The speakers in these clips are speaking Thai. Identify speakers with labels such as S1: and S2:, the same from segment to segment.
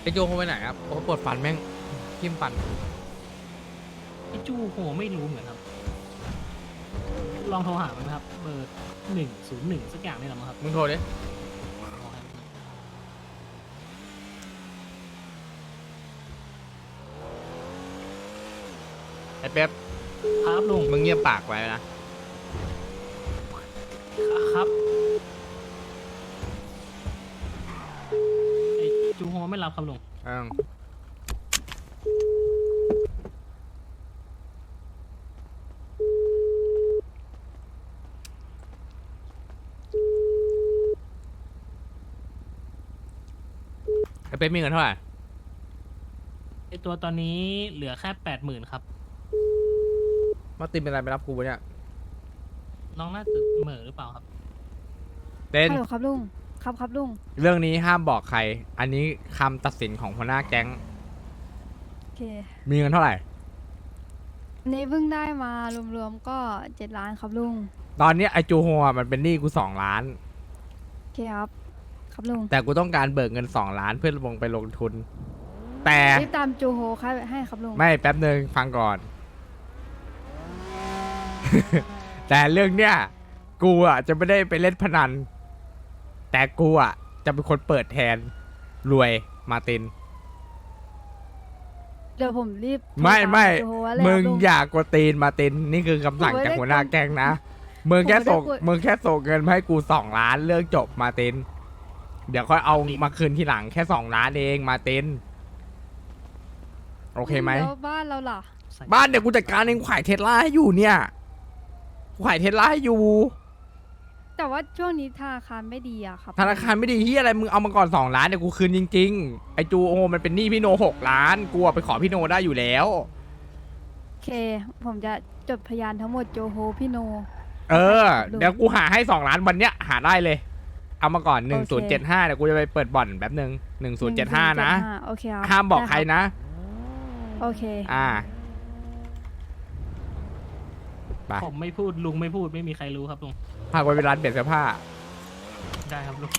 S1: ไอโจเขาไปไหนครับเขาปวดฟันแม่งทิ่มฟัน
S2: ไอจูโหไม่รู้เหมือนครับลองโทรหามันนะครับเบอร์101สักอย่างนี่แหละมั้งครับ
S1: มึงโทรดิไอเป๊ป
S2: ครับลุง
S1: มึงเงียบปากไว้นะ
S2: ครับไอจูโฮไม่รับครับลุง
S1: ไอเป๊ปมีเงินเท่าไหร่
S2: ไอตัวตอนนี้เหลือแค่80,000ครับ
S1: มาตินเป็นอะไรไปรับกูวะเนี่ย
S2: น้องน่าจะเหม่อหรือเปล่าครับ
S1: เต้น
S3: ฮัลโหลครับลุง ครับครับลุง
S1: เรื่องนี้ห้ามบอกใคร อันนี้คำตัดสินของหัวหน้าแก๊ง
S3: โอเค
S1: มีเงินเท่าไหร่
S3: อันนี้เพิ่งได้มารวมๆก็7 ล้านครับลุง
S1: ตอนนี้ไอจูโฮอะมันเป็นหนี้กู2 ล้าน
S3: โอเคครับ ครับลุง
S1: แต่กูต้องการเบิกเงิน2 ล้านเพื่อลงไปลงทุน แต่
S3: รีบตามจูโฮให้ครับลุง
S1: ไม่แป๊บหนึ่งฟังก่อน แต่เรื่องเนี้ยกูอ่ะจะไม่ได้ไปเล่นพนัน แต่กูอ่ะจะเป็นคนเปิดแทนรวยมาร์ติน
S3: เดี๋ยวผมรีบโทร
S1: ไม่
S3: ตา
S1: ไม่
S3: จูโฮไว้เลย
S1: มึ
S3: ค
S1: ง
S3: รับลุง
S1: อย่ากดตีนมาร์ตินนี่คือคำสั่งจากหัวหน้าแก๊งนะมึงแค่ส่ง
S3: ผมไม่ได้กด
S1: มึงแค่ส่งเงินมาให้กู2 ล้านเรื่องจบมาร์ติน เดี๋ยวค่อยเอามาคืนทีหลังแค่2 ล้านเองมาร์ตินโอเคไหม
S3: แล้วบ้านเราล่ะ
S1: บ้านเดี๋ยวกูจัดการเองขายเทสลาให้อยู่เนี่ยกูขายเทสลาให้อยู่
S3: แต่ว่าช่วงนี้ธนาคารไม่ดีอะครับ
S1: ธนาคารไม่ดีที่อะไรมึงเอามาก่อน2 ล้านเดี๋ยวกูคืนจริงๆไอจูโอมันเป็นหนี้พี่โน6 ล้านกูอะไปขอพี่โนได้อยู่แล้ว
S3: โอเค ผมจะจดพยานทั้งหมดโจโฮพี่โน
S1: เออ
S3: ดู
S1: เดี๋ยวกูหาให้2 ล้านวันเนี้ยหาได้เลย เอามาก่อน
S3: โอเค
S1: 1075เดี๋ยวกูจะไปเปิดบ่อนแป๊บนึง1075นะ
S3: โอเคครับ
S1: ห้ามบอกใคร
S3: ได้
S1: นะ
S3: โอเค
S1: ไป
S2: ผมไม่พูดลุงไม่พูดไม่มีใครรู้ครับลุง
S1: พากูไปร้านเปลี่ยนเสื้อผ้า
S2: ได้ครับลุง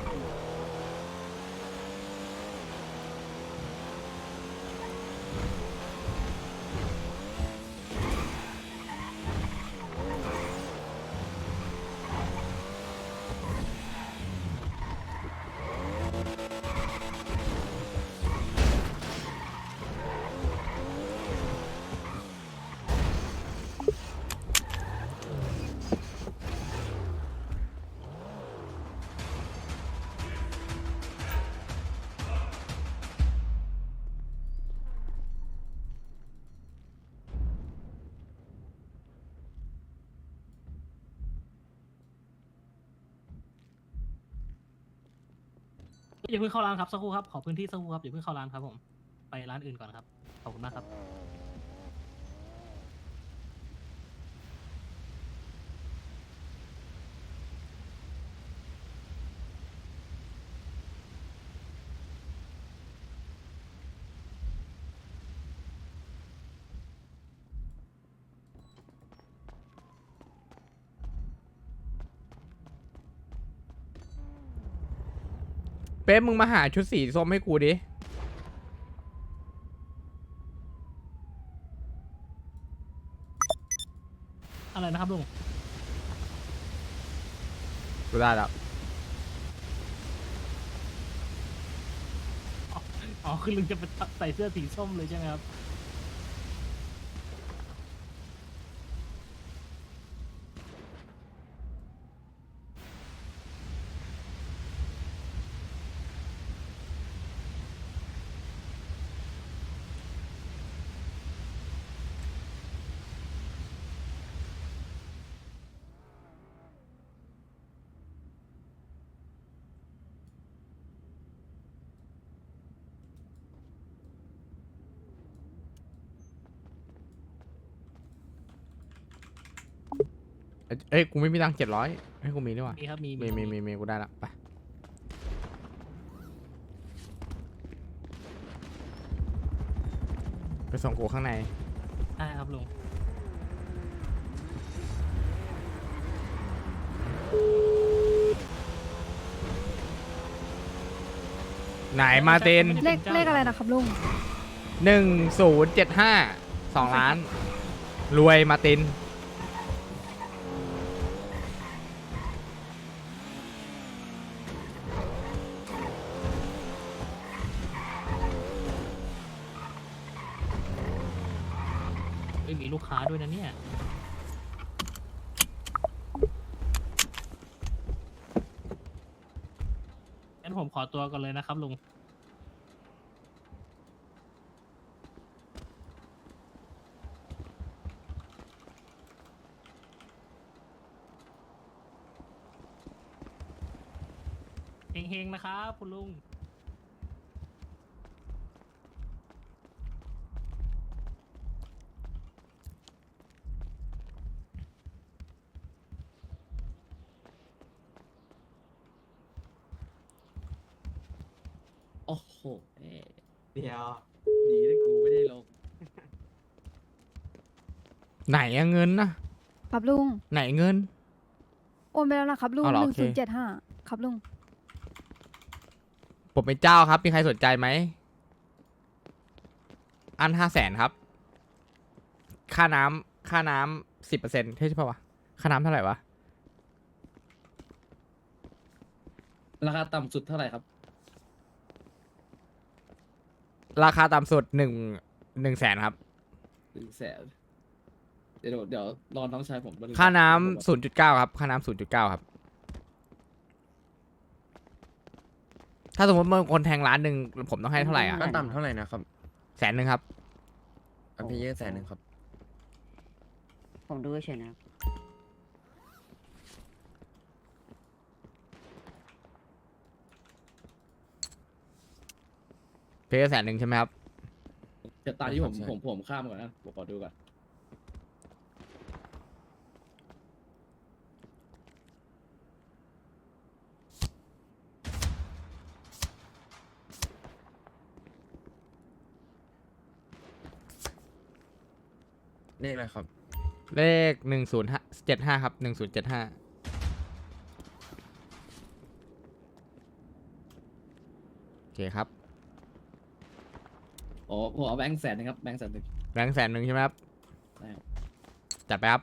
S2: อย่าเพิ่งเข้าร้านครับสักครู่ครับขอพื้นที่สักครู่ครับอย่าเพิ่งเข้าร้านครับผมไปร้านอื่นก่อนครับขอบคุณมากครับ
S1: เป๊ะมึงมาหาชุดสีส้มให้กูดิ
S2: อะไรนะครับลุง
S1: กูได้แล้ว
S2: อ๋อคือลุงจะไปใส่เสื้อสีส้มเลยใช่ไหมครับ
S1: เอ้ยกูไม่มีตังค์700ให้กูมีด้วยวะ
S2: มีครับมี
S1: มีกูได้ละไปไปส่งกูข้างใน
S2: ได้ครับลุง
S1: ไหนมาร์ติน
S3: เลขอะไรนะครับลุง
S1: 1075 2 ล้าน รวยมาร์ติน
S2: เอ้ยมีลูกค้าด้วยนะเนี่ยงั้นผมขอตัวก่อนเลยนะครับลุงเฮงๆนะครับคุณลุง
S4: โอ้โหเดี๋ยวดีนะกูไม่ได้ลง
S1: ไหนอะเงินนะครับ
S3: ลุง
S1: ไหนเงิน
S3: โอนไปแล้วนะครับลุง
S1: อ๋อเหรอ
S3: หนึ่
S1: โอง เค
S3: ศูนย์เจ็ดห้าครับลุง
S1: ผมเป็นเจ้าครับ มีใครสนใจไหม อัน500,000ครับ ค่าน้ำ10%ใช่ป่าวะ ค่าน้ำเท่าไหร่วะ
S4: ราคาต่ำสุดเท่าไหร่ครับ
S1: ราคาต่ำสุด1 แสนครับ
S4: 100,000เดี๋ยวรอน้องชายผมแป๊บง
S1: ค่าน้
S4: ผม
S1: ำ0.9ครับ ค่าน้ำ0.9ครับ ถ้าสมมติมันคนแทงล้านหนึ่งผมต้องให้เท่าไหร่อ่ะ
S5: ขั้นต่ำเท่าไหร่นะครับ
S1: 100,000ครับ
S5: อันเพเยอร์100,000ครับ
S6: ผมดูเฉยๆนะครับ
S1: เพย์100,000ใช่ไหมครับ
S4: จะตามที่ผม
S5: ใช่
S4: ผมข้ามก่อนนะผมขอดูก่อน
S5: เลขอะไรครับ
S1: เลข1075ครับ1075โอเคครับ
S4: อ๋อผมเอาแบงค์100,000ครับแบงค์100,000
S1: แบงค์100,000ใช่ไหมครับ
S4: ใช่ครับ
S1: จัดไปครับ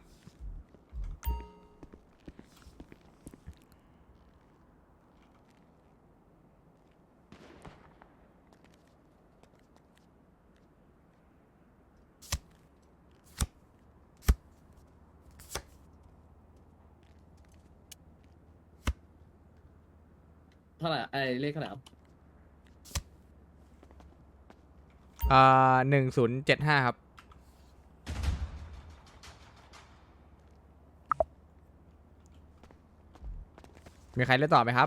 S4: เท่าไหร่ไอ้เลขเท่าไหร่ครับ
S1: 1075ครับ มีใครเล่นต่อไหมครับ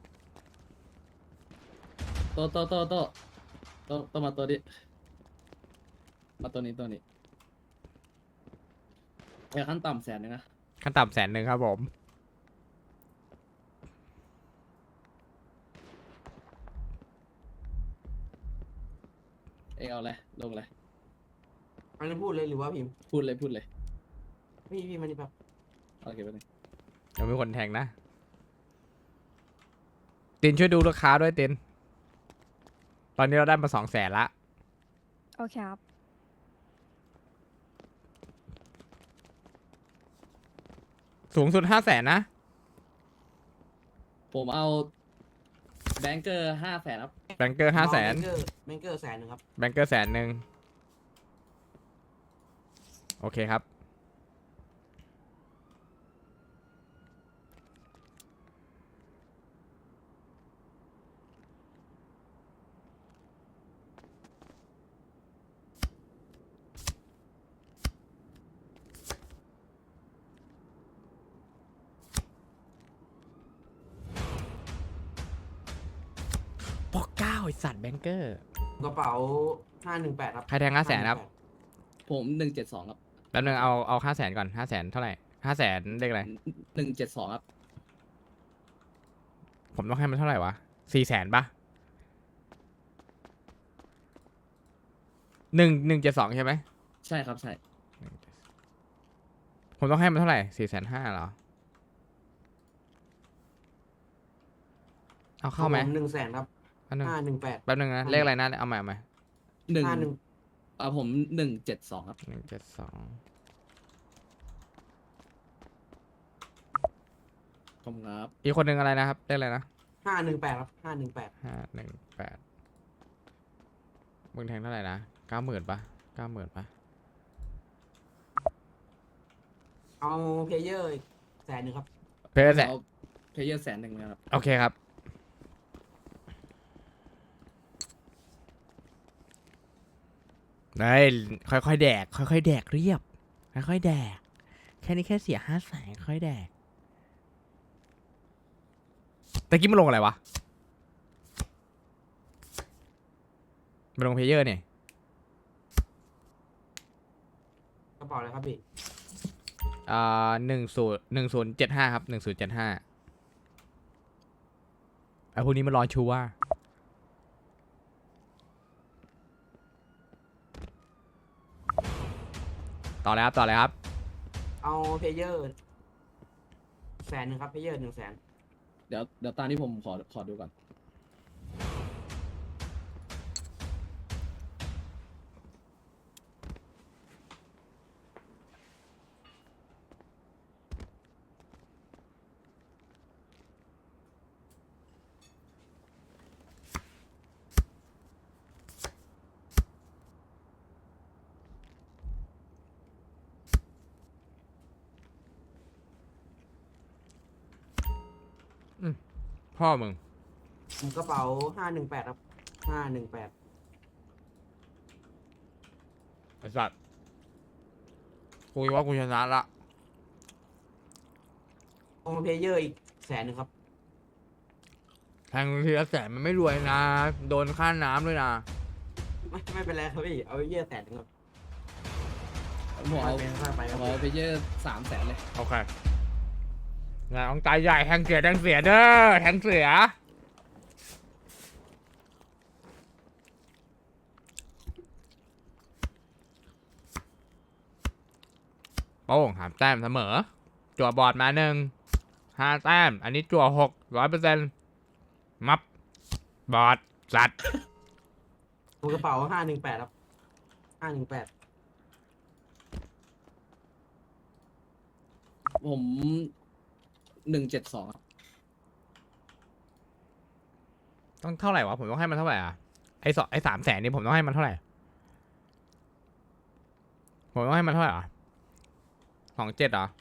S4: โตมาตัวนี้มาตัวนี้ไอ้ขั้นต่ำ100,000นะ
S1: ขั้นต่ำ100,000ครับผม
S4: เองเอาเลยลงเลย
S7: อันนี้พูดเลยหรือว่าพิมพ์
S4: พูดเลย
S7: พี่มานี่แบบ
S4: โอเคไปเลย
S1: ยังมีคนแทงนะ ตินช่วยดูลูกค้าด้วยติน ตอนนี้เราได้มา200,000ละ
S3: โอเคครับ
S1: สูงสุด500,000นะ
S4: ผมเอาแบงเกอร์500,000ครับ
S1: แบงเกอร์500,000
S7: แบงเกอร์100,000ครับ
S1: แบงเกอร์100,000โอเคครับ ปอกเก้าไอสัตว์แบงเกอร์
S7: กระเป๋า518ครับ
S1: ใครแทง500,000ครับ
S4: ผม172ครับ
S1: แป๊บนึงเอา500,000ก่อน500,000เท่าไหร่500,000เลขอะไร
S4: 172ครับ
S1: ผมต้องให้มันเท่าไหร่วะ400,000ปะ172ใช่ไหม
S4: ใช่ครับใช่
S1: ผมต้องให้มันเท่าไหร่450,000เหรอ เอาเข้าไหม
S7: 100,000ครับ
S1: อันหนึ่ง
S7: 518
S1: แป๊บนึงนะ เลขอะไรนะ เอาใหม่เอาใหม่
S4: หนึ่ง
S7: 51
S4: ผม172ครับ
S1: 172
S4: ขอบคุณครับ
S1: อีกคนหนึ่งอะไรนะครับ เลขอะไรนะ
S7: 518ครับ518
S1: 518มึงแทงเท่าไหร่นะ 90,000ปะ90,000ปะ
S7: เอาเพลเยอร์อีก100,000ครับ
S1: เพย์แสน
S4: เอาเพลเยอร์100,000นะครับ
S1: โอเคครับ ได้ค่อยๆแดก ค่อยๆแดกเรียบ ค่อยๆแดก แค่นี้แค่เสีย500,000ค่อยแดกตะกี้มันลงอะไรวะมันลงเพลเยอร์เนี่ย
S7: กระเป๋าอะไรครับพี่
S1: 1075ครับ1075ไอ้พวกนี้มันรอชัวร์ต่อเลยครับต่อเลยครับ
S7: เอาเพลเยอร์100,000ครับเพลเยอร์100,000
S4: เดี๋ยวตามที่ผมขอดูก่อน
S1: พ่อมึง
S7: ผมกระเป๋า518ครับ518
S1: ไอ้สัตว์กูคิดว่ากูชนะละ
S7: เอาเพลเยอร์อีก100,000ครับ
S1: แทงทีละ100,000มันไม่รวยนะ โดนค่าน้ำด้วยนะ
S7: ไม่เป็นไรครับพี่ เอาเพลเยอร์100,000ครับ
S4: ผมเอา
S7: เป็นค่าไปครับ
S4: เอาเพลเยอร์300,000เลย
S1: โอเคงานของตายใหญ่แทงเสียแทงเสียเด้อแทงเสียโป้งหามแต้มเสมอ จั่วบอร์ดมา5 แต้ม อันนี้จั่ว600%มับบอร์ดสัตว์
S7: ผมกระเป๋า518ครับ518
S4: ผม172ครับ
S1: ต้องเท่าไหร่วะ ผมต้องให้มันเท่าไหร่อ่ะ ไอ้300,000นี่ผมต้องให้มันเท่าไหร่ ผมต้องให้มันเท่าไหร่อ่ะ27เหรอ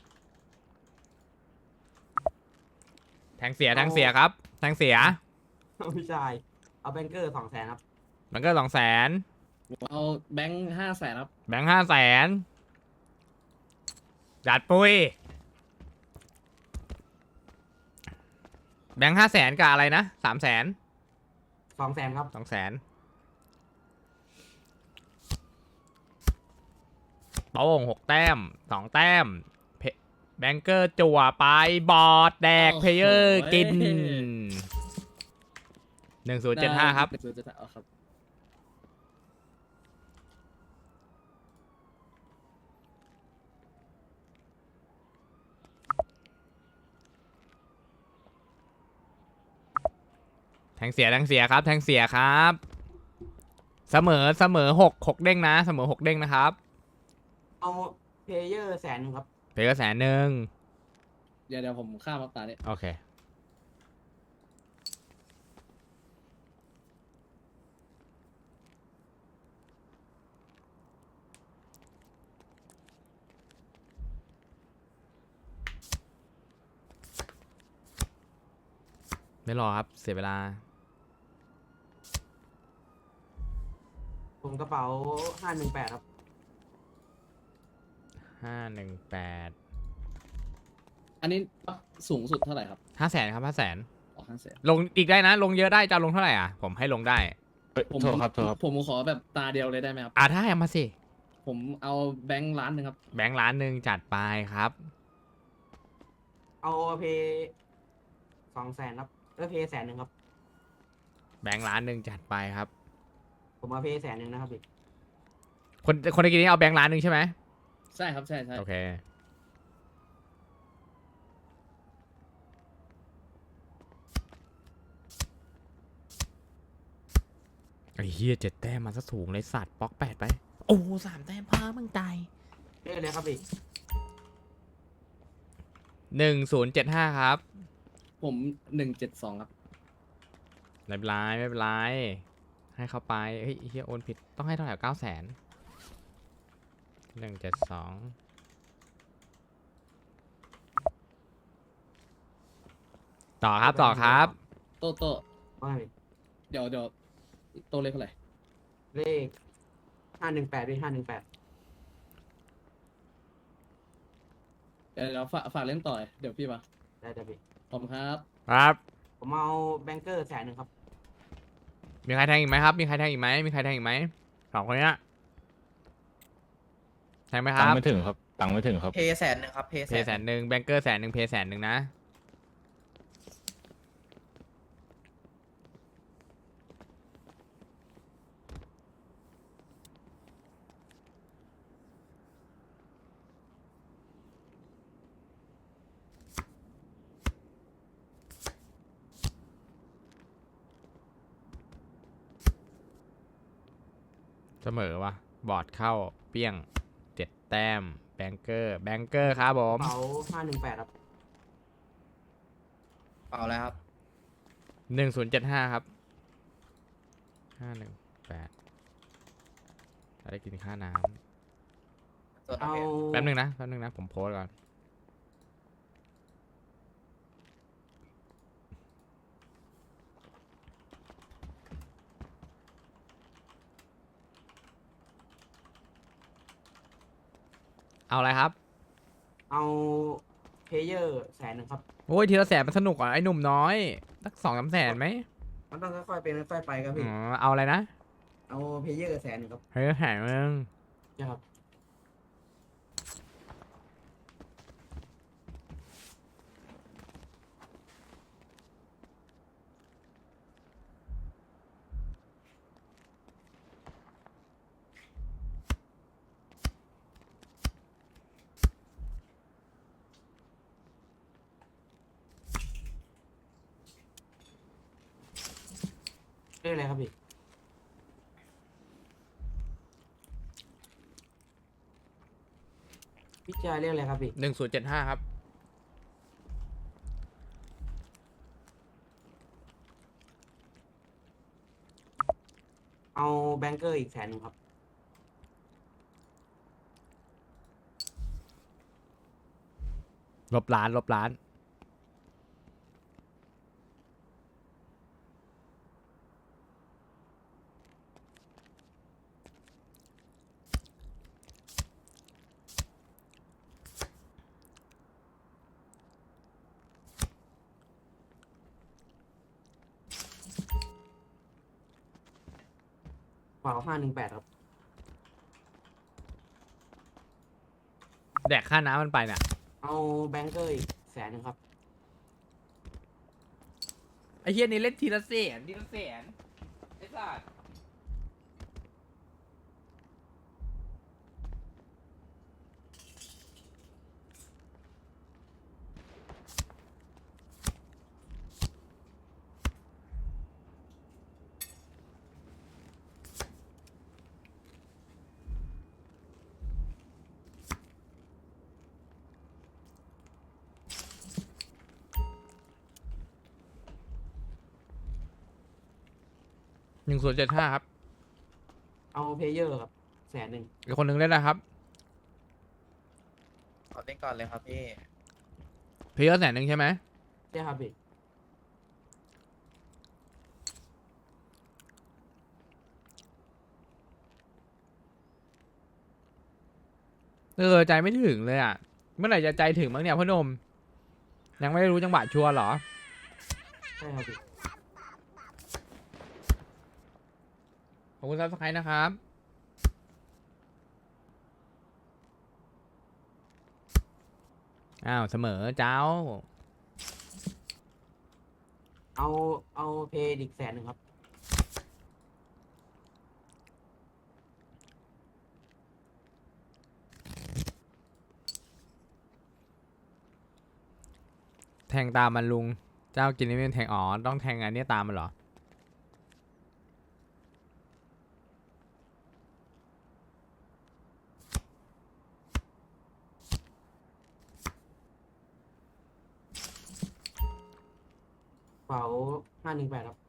S1: แทงเสียครับ แทงเสีย
S7: พี่ชาย เอาแบงเกอร์200,000ครับ
S1: มันก็200,000
S4: ผมเอาแบงค์500,000ครับ
S1: แบงค์500,000จัดปุ้ย แบงค์500,000กับอะไรนะ300,000
S7: 200,000ครับ
S1: 200,000โป้ง6 แต้ม 2 แต้มแบงเกอร์จั่วไปบอร์ดแดก
S4: โอ้โห
S1: เพลเยอร์กิน 1075 ครับ
S4: 1075เอาครับ
S1: แทงเสียครับ แทงเสียครับ เสมอ6 เด้งนะ เสมอ6 เด้งนะครับ
S7: เอาเพลเยอร์100,000ครับ
S1: เพลเยอร์100,000
S4: เดี๋ยวผมข้ามมาตาเนี่ย
S1: โอเค ไม่รอครับ เสียเวลา
S7: ผมกระเป๋า518ครับ
S1: 518
S4: อันนี้สูงสุดเท่าไหร่ครับ
S1: 500,000 ครับ 500,000
S4: อ๋อ500,000
S1: ลงอีกได้นะ ลงเยอะได้จะลงเท่าไหร่อ่ะ ผมให้ลงได้
S4: ผมขอแบบตาเดียวเลยได้ไหมครับ
S1: ถ้าให้มาสิ
S4: ผมเอาแบงค์1,000,000ครับ
S1: แบงค์1,000,000จัดไปครับ
S7: เอาเพล200,000ครับเพล100,000ครับ
S1: แบงค์1,000,000จัดไปครับ
S7: ผมเอาเพล100,000นะครับพี่
S1: คนตะกี้นี้เอาแบงค์1,000,000ใช่ไหม
S4: ใช่ครับ ใช่
S1: โอเค
S7: ผ
S1: ไอ้เฮีย7 แต้มมาซะสูงเลยสัตว์ป๊อก8ไปโอ้3 แต้มพามึงตาย
S7: เลขอะไรครับพี่
S1: 1075ครับ
S4: ผม172ครับ
S1: ไม่เป็นไรไม่เป็นไรให้เขาไปเฮ้ยเฮียโอนผิดต้องให้เท่าไหร่900,000 172ต่อครับต่อครับ
S4: โต
S7: ว่าไงพี่
S4: เดี๋ยวโตเลขเท่าไหร่
S7: เลข518พี่518
S4: เดี๋ยวฝากเล่นต่อเลยเดี๋ยวพี่มา
S7: ได้พี่
S4: ขอบคุณครับ
S1: ครับ
S7: ผมเอาแบงเกอร์100,000ครับ
S1: มีใครแทงอีกไหมครับ มีใครแทงอีกไหมมีใครแทงอีกไหมสองคนเนี้ยแทงไหมค
S8: ตั
S1: รั
S8: ง
S1: บ
S8: ค์ไม่ถึงครับ ตังค์ไม่ถึงครับ
S5: เพย์100,000ครับเพย์
S1: เพย์100,000แบงเกอร์100,000เพย์100,000นะเสมอวะบอร์ดเข้าเปี้ยง7 แต้มแบงเกอร์ครับผม
S7: เป๋า518ครับ
S5: เปล่าแล้วครับ
S1: 1075ครับ518จะได้กินค่าน้
S5: ส่วน
S7: เอา
S1: ำแป๊บนึงนะผมโพสต์ก่อนเอาอะไรครับ
S7: เอาเพเยอร์100,000ครับ
S1: โอ้ยทีละ100,000มันสนุกอ่ะไอ้หนุ่มน้อยสัก2-3 แสนไหม
S7: มันต้องค่อยๆเป็นค่อยๆไปครับ
S1: อ๋
S7: พี่
S1: อเอาอะไรนะ
S7: เอาเพเยอร์100,000ครับ
S1: เฮ้ยแหงมึง
S7: ใช่ครับ เลขอะไรครับพี่ พี่จายเลขอะไรครับพี่
S1: 1075ครับ
S7: เอาแบงเกอร์อีก100,000ครับ
S1: ลบล้าน
S7: เป๋า518ครับ
S1: แดกค่าน้ำมันไปเนี่ย
S7: เอาแบงเกอร์อีก100,000ครับ
S1: ไอ้เฮียนี่เล่นทีละแสนไอ้สัส1075ครับ
S7: เอาเพเยอร์ครับ100,000
S1: อีกคนนึงเล่นนะครับ
S5: ขอเล่นก่อนเลยครับพี่
S1: เพย์100,000ใช่ไหม
S7: ใช่ครับพี่
S1: ใจไม่ถึงเลยอ่ะ เมื่อไหร่จะใจถึงบ้างเนี่ยพ่อหนม ยังไม่รู้จังหวะชัวร์เหรอ
S7: ใช่ครับพี่
S1: ขอบคุณซับสไครต์นะครับ อ้าวเสมอเจ้า
S7: เอาเพย์อีก100,000ครับ
S1: แทงตามมันลุง เจ้ากินนี่ไม่เป็นแทงอ๋อต้องแทงอันนี้ตามมันเหรอ
S7: เป๋า518ครับ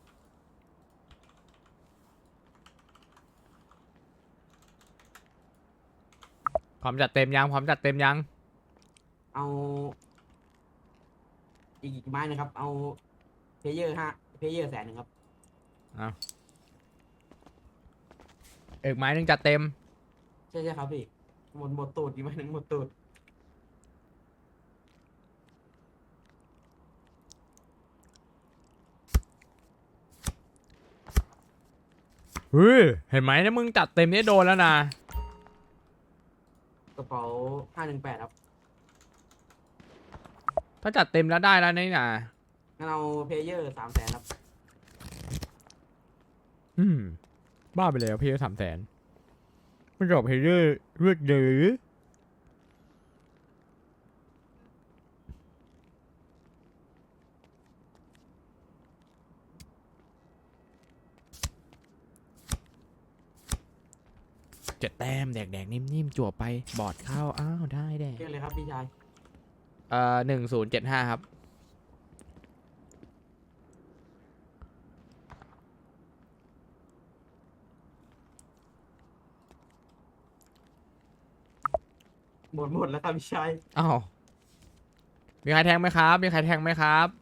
S1: พร้อมจัดเต็มยังพร้อมจัดเต็มยัง
S7: เอาอีกไม้หนึงครับ เอาเพเยอร์แสนหนึ่งครับ
S1: เอาอีกไม้หนึงจัดเต็ม
S7: ใช่ครับพี่หมดตูดอีกไม้หนึ่งหมดตูด
S1: เฮ้ย เห็นไหมนะมึงจัดเต็มนี่โดนแล้วนะ
S7: กระเป๋า518ครับ
S1: ถ้าจัดเต็มแล้วได้แล้วนี่นะ
S7: งั้นเอาเพเยอร์300,000ครับ
S1: บ้าไปเลยเพย์300,000ไม่จบเพย์เลือดเดือ7 แต้มแดกๆนิ่มๆจั่วไปบอดเข้าอ้าวได้แดก
S7: เรียกเลยครับพี่ชาย
S1: 1075 ครับ
S7: หมดแล้วครับพี่ชาย
S1: อ้าวมีใครแทงไหมครับ มีใครแทงไหมครับ